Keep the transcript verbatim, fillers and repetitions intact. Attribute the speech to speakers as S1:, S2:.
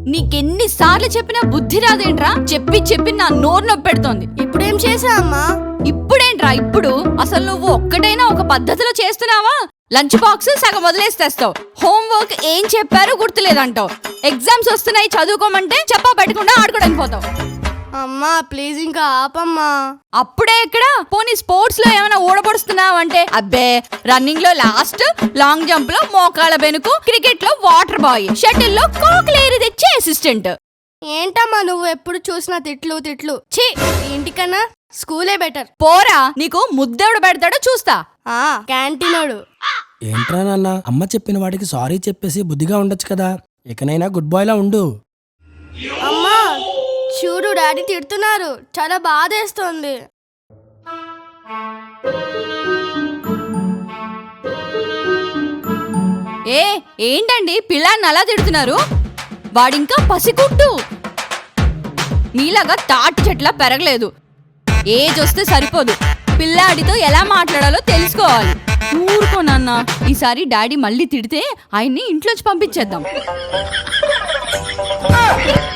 S1: నీకెన్ని సార్లు చెప్పినా బుద్ధి రాదేంట్రా? చెప్పి చెప్పి నా నోరు నొప్పి పెడుతోంది.
S2: ఇప్పుడేం చేసా అమ్మా?
S1: ఇప్పుడేంట్రా ఇప్పుడు? అసలు నువ్వు ఒక్కటైనా ఒక పద్ధతిలో చేస్తున్నావా? లంచ్ బాక్స్ సగం వదిలేసి తెస్తావు. హోంవర్క్ ఏం చెప్పారో గుర్తులేదంటావు. ఎగ్జామ్స్ వస్తున్నాయి చదువుకోమంటే చెప్పా పెట్టకుండా ఆడుకోవడానికి పోతావు.
S2: అమ్మా ప్లీజ్ ఇంకా ఆపమ్మా.
S1: అప్పుడే ఎక్కడ? పోనీ స్పోర్ట్స్ లో ఏమైనా ఊడబడుస్తున్నావు అంటే అబ్బే రన్నింగ్ లో లాస్ట్, లాంగ్ జంప్ లో మోకాళ్ళ బెనుకు, క్రికెట్ లో వాటర్ బాయ్, షటిల్ లో కాకులేరి తెచ్చే అసిస్టెంట్.
S2: ఏంటమ్మా నువ్వు ఎప్పుడు చూసినా తిట్లు తిట్లు. ఛీ, ఇంటికన్నా స్కూలే బెటర్.
S1: పోరా, నీకు ముద్దెవడు పెడతాడో చూస్తా.
S2: ఆ క్యాంటీనోడు.
S3: ఏంట్రా నాన్న, అమ్మ చెప్పిన వాడికి సారీ చెప్పేసి బుద్ధిగా ఉండొచ్చు కదా. ఇకనైనా గుడ్ బాయ్ లా ఉండు.
S2: అమ్మా చూడు డాడీ తిడుతున్నారు, చాలా బాధేస్తోంది.
S1: ఏ ఏంటండి పిల్లాన్ని అలా తిడుతున్నారు? వాడింకా పసిగుడ్డు, మీలాగా తాటి చెట్లా పెరగలేదు. ఏజ్ వస్తే సరిపోదు, పిల్లాడితో ఎలా మాట్లాడాలో తెలుసుకోవాలి. ఊరుకో నాన్న, ఈసారి డాడీ మళ్ళీ తిడితే ఆయన్ని ఇంట్లోంచి పంపించేద్దాం.